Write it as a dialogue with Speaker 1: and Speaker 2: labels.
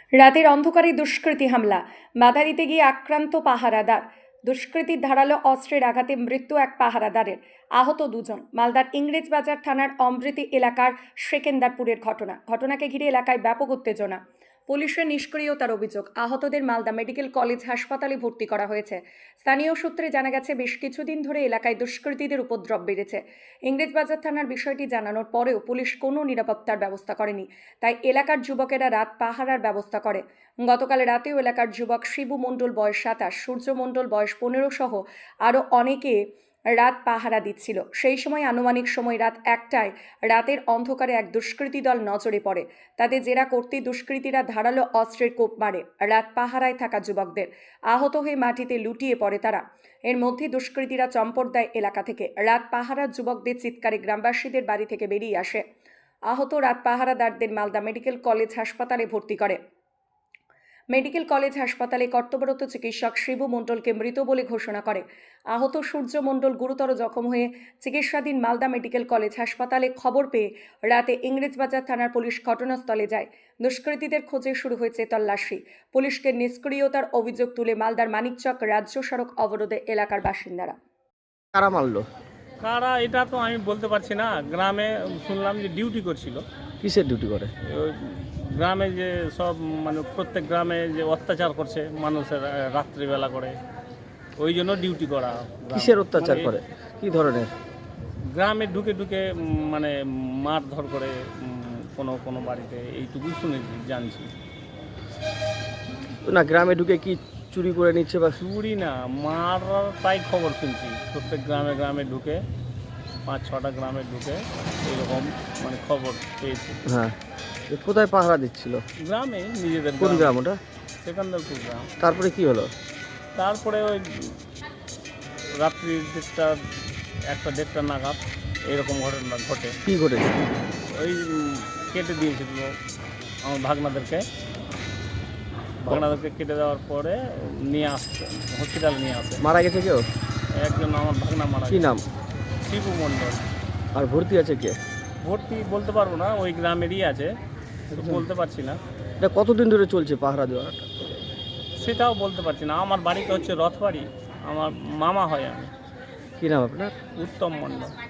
Speaker 1: রাতের অন্ধকারে দুষ্কৃতী হামলা, বাধা দিতে গিয়ে আক্রান্ত পাহারাদার। দুষ্কৃতীর ধারালো অস্ত্রের আঘাতে মৃত্যু এক পাহারাদারের, আহত দুজন। মালদার ইংরেজবাজার থানার অমৃতি এলাকার সেকেন্দারপুরের ঘটনাকে ঘিরে এলাকায় ব্যাপক উত্তেজনা। পুলিশের নিষ্ক্রিয়তার অভিযোগ। আহতদের মালদা মেডিকেল কলেজ হাসপাতালে ভর্তি করা হয়েছে। স্থানীয় সূত্রে জানা গেছে, বেশ কিছুদিন ধরে এলাকায় দুষ্কৃতীদের উপদ্রব বেড়েছে। ইংরেজবাজার থানার বিষয়টি জানানোর পরেও পুলিশ কোনো নিরাপত্তার ব্যবস্থা করেনি, তাই এলাকার যুবকেরা রাত পাহারার ব্যবস্থা করে। গতকাল রাতেও এলাকার যুবক শিবু মণ্ডল বয়স 27, সূর্য মণ্ডল বয়স 15 সহ আরও অনেকে রাত পাহারা দিচ্ছিল। সেই সময় আনুমানিক সময় রাত 1টায় রাতের অন্ধকারে এক দুষ্কৃতী দল নজরে পড়ে। তাদের জেরা করতে দুষ্কৃতীরা ধারালো অস্ত্রের কোপ মারে রাত পাহারায় থাকা যুবকদের। আহত হয়ে মাটিতে লুটিয়ে পড়ে তারা। এর মধ্যে দুষ্কৃতীরা চম্পট দেয় এলাকা থেকে। রাত পাহারার যুবকদের চিৎকারে গ্রামবাসীদের বাড়ি থেকে বেরিয়ে আসে। আহত রাত পাহারাদারদের মালদা মেডিকেল কলেজ হাসপাতালে ভর্তি করে। মেডিকেল কলেজ হাসপাতালে কর্তব্যরত চিকিৎসক শিবু মণ্ডলকে মৃত বলে ঘোষণা করে। আহত সূর্য মণ্ডল গুরুতর জখম হয়ে চিকিৎসাধীন মালদা মেডিকেল কলেজ হাসপাতালে। খবর পেয়ে রাতে ইংরেজবাজার থানার পুলিশ ঘটনাস্থলে যায়। দুষ্কৃতীদের খোঁজে শুরু হয়েছে তল্লাশি। পুলিশকে নিষ্ক্রিয়তার অভিযোগ তুলে মালদার মানিকচক রাজ্য সড়ক অবরোধে এলাকার বাসিন্দারা।
Speaker 2: কারা মারলো?
Speaker 3: কারা এটা তো আমি বলতে পারছি না। গ্রামে শুনলাম যে ডিউটি করছিল।
Speaker 2: কিসের ডিউটি করে?
Speaker 3: ওই গ্রামে যে সব মানে প্রত্যেক গ্রামে যে অত্যাচার করছে মানুষের রাত্রিবেলা করে, ওই জন্য ডিউটি করা।
Speaker 2: কিসের অত্যাচার
Speaker 3: মানে
Speaker 2: করে? কি ধরনের?
Speaker 3: গ্রামে ঢুকে ঢুকে মানে মারধর করে কোনো কোনো বাড়িতে, এইটুকুই শুনেছি, জানছি।
Speaker 2: না, গ্রামে ঢুকে কি চুরি করে নিচ্ছে বা?
Speaker 3: চুরি না, মার, তাই খবর শুনছি। প্রত্যেক গ্রামে গ্রামে ঢুকে, 5-6টা গ্রামে ঢুকে এইরকম মানে খবর পেয়েছি।
Speaker 2: হ্যাঁ, কোথায় পাহারা দিচ্ছিল?
Speaker 3: গ্রামে, নিজেদের।
Speaker 2: কোন গ্রাম ওটা?
Speaker 3: সেকেন্দারপুর গ্রাম।
Speaker 2: তারপরে কি হলো?
Speaker 3: তারপরে ওই রাত্রি 1টা-1:30 নাগাদ এরকম ঘটনা ঘটে।
Speaker 2: কি ঘটেছে?
Speaker 3: ওই কেটে দিয়েছিল আমার ভাগনাদেরকে কেটে দেওয়ার পরে নিয়ে আসছে, হসপিটালে নিয়ে আসে।
Speaker 2: মারা গেছে কেউ?
Speaker 3: একজন আমার ভাগনা মারা
Speaker 2: কি
Speaker 3: গেছে।
Speaker 2: নাম?
Speaker 3: শিবু মণ্ডল।
Speaker 2: আর ভর্তি আছে কে?
Speaker 3: ভর্তি বলতে পারবো না, ওই গ্রামেরই আছে, তো বলতে পারছি না।
Speaker 2: এটা কতদিন ধরে চলছে পাহারা দেওয়াটা?
Speaker 3: সেটাও বলতে পারছি না। আমার বাড়িটা হচ্ছে রথবাড়ি, আমার মামা হয় আমি।
Speaker 2: কি নাম আপনার?
Speaker 3: উত্তম মণ্ডল।